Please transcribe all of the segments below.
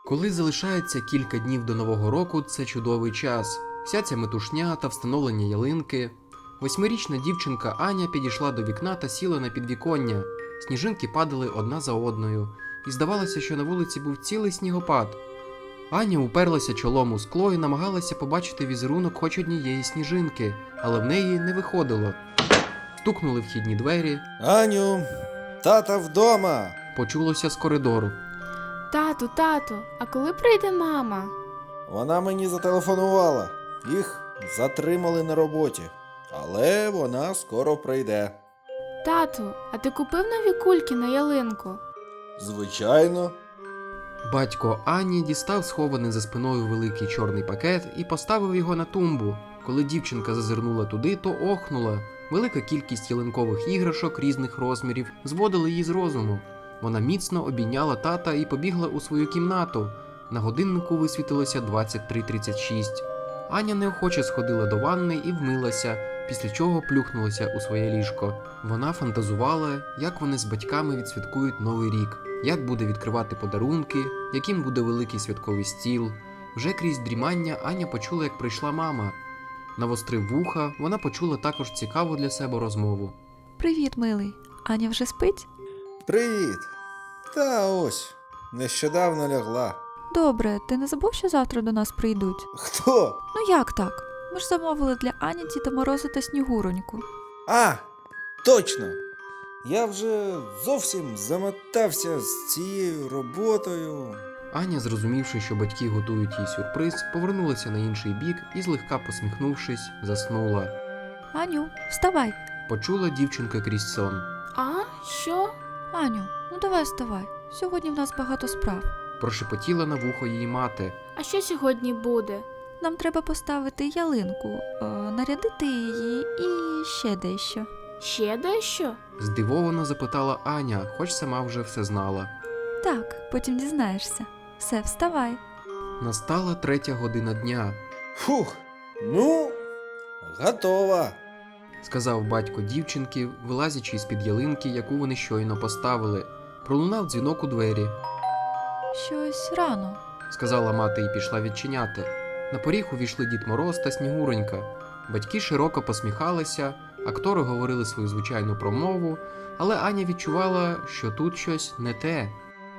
Коли залишається кілька днів до Нового року, це чудовий час. Вся ця метушня та встановлення ялинки. 8-річна дівчинка Аня підійшла до вікна та сіла на підвіконня. Сніжинки падали одна за одною, і здавалося, що на вулиці був цілий снігопад. Аня уперлася чолом у скло і намагалася побачити візерунок хоч однієї сніжинки, але в неї не виходило. Стукнули вхідні двері. Аню, тата вдома. Почулося з коридору. Тату, а коли прийде мама? Вона мені зателефонувала. Їх затримали на роботі. Але вона скоро прийде. Тату, а ти купив нові кульки на ялинку? Звичайно. Батько Ані дістав схований за спиною великий чорний пакет і поставив його на тумбу. Коли дівчинка зазирнула туди, то охнула. Велика кількість ялинкових іграшок різних розмірів зводила її з розуму. Вона міцно обійняла тата і побігла у свою кімнату. На годиннику висвітилося 23:36. Аня неохоче сходила до ванни і вмилася, після чого плюхнулася у своє ліжко. Вона фантазувала, як вони з батьками відсвяткують Новий рік, як буде відкривати подарунки, яким буде великий святковий стіл. Вже крізь дрімання Аня почула, як прийшла мама. Навострив вуха, вона почула також цікаву для себе розмову. Привіт, милий. Аня вже спить? Привіт. Та ось, нещодавно лягла. Добре, ти не забув, що завтра до нас прийдуть? Хто? Ну як так? Ми ж замовили для Ані Діда Мороза та Снігуроньку. А, точно. Я вже зовсім замотався з цією роботою. Аня, зрозумівши, що батьки готують їй сюрприз, повернулася на інший бік і, злегка посміхнувшись, заснула. Аню, вставай. Почула дівчинка крізь сон. А? Що? Аню, ну давай вставай. Сьогодні в нас багато справ. Прошепотіла на вухо її мати. А що сьогодні буде? Нам треба поставити ялинку, нарядити її і ще дещо. Ще дещо? Здивовано запитала Аня, хоч сама вже все знала. Так, потім дізнаєшся. Все, вставай. Настала 3 година дня. Фух, ну, готова. Сказав батько дівчинки, вилазячи з-під ялинки, яку вони щойно поставили. Пролунав дзвінок у двері. Щось рано. Сказала мати і пішла відчиняти. На поріг увійшли Дід Мороз та Снігуронька. Батьки широко посміхалися, актори говорили свою звичайну промову, але Аня відчувала, що тут щось не те.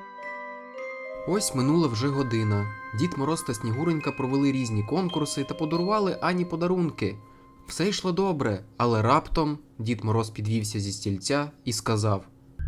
Ось минула вже година. Дід Мороз та Снігуронька провели різні конкурси та подарували Ані подарунки. Все йшло добре, але раптом Дід Мороз підвівся зі стільця і сказав: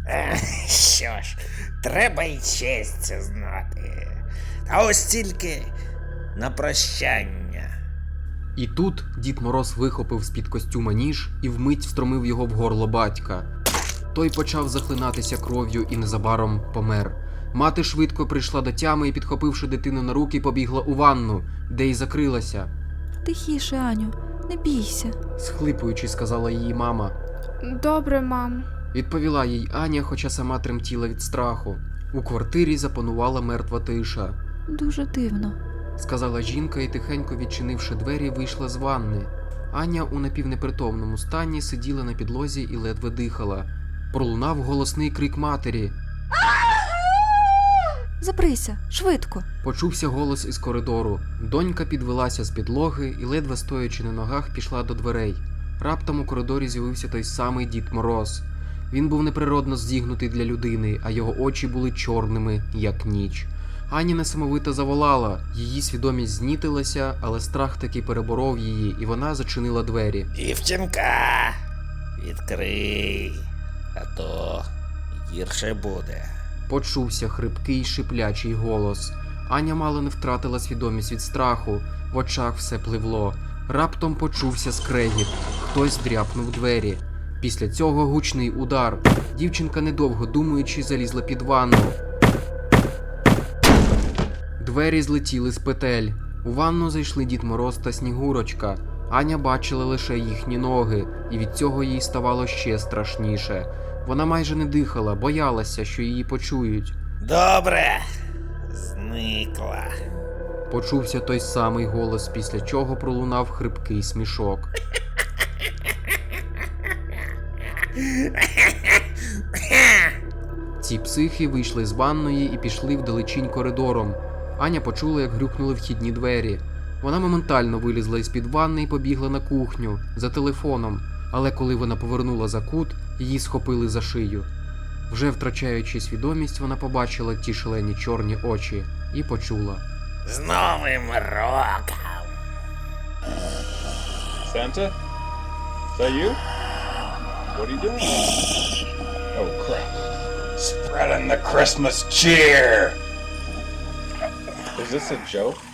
Що ж, треба й честь це знати. А ось тільки на прощання. І тут Дід Мороз вихопив з-під костюма ніж і вмить встромив його в горло батька. Той почав захлинатися кров'ю і незабаром помер. Мати швидко прийшла до тями і, підхопивши дитину на руки, побігла у ванну, де й закрилася. Тихіше, Аню, не бійся. Схлипуючи, сказала її мама. Добре, мам. Відповіла їй Аня, хоча сама тремтіла від страху. У квартирі запанувала мертва тиша. Дуже дивно. Сказала жінка і, тихенько відчинивши двері, вийшла з ванни. Аня у напівнепритомному стані сиділа на підлозі і ледве дихала. Пролунав голосний крик матері. Забрися, швидко. Почувся голос із коридору. Донька підвелася з підлоги і, ледве стоячи на ногах, пішла до дверей. Раптом у коридорі з'явився той самий Дід Мороз. Він був неприродно зігнутий для людини, а його очі були чорними, як ніч. Аня несамовито заволала, її свідомість знітилася, але страх таки переборов її, і вона зачинила двері. Дівчинка, відкрий, а то гірше буде. Почувся хрипкий шиплячий голос. Аня мало не втратила свідомість від страху, в очах все пливло. Раптом почувся скрегіт, хтось дряпнув двері. Після цього гучний удар. Дівчинка, недовго думаючи, залізла під ванну. Двері злетіли з петель. У ванну зайшли Дід Мороз та Снігурочка. Аня бачила лише їхні ноги, і від цього їй ставало ще страшніше. Вона майже не дихала, боялася, що її почують. Добре, зникла. Почувся той самий голос, після чого пролунав хрипкий смішок. Ці психи вийшли з ванної і пішли вдалечінь коридором. Аня почула, як грюкнули вхідні двері. Вона моментально вилізла із-під ванни і побігла на кухню за телефоном, але коли вона повернула за кут, її схопили за шию. Вже втрачаючи свідомість, вона побачила ті шалені чорні очі і почула. З Новим роком! Santa? Is that you? What are you doing? Oh crap. Spreading the Christmas cheer! Is this a joke?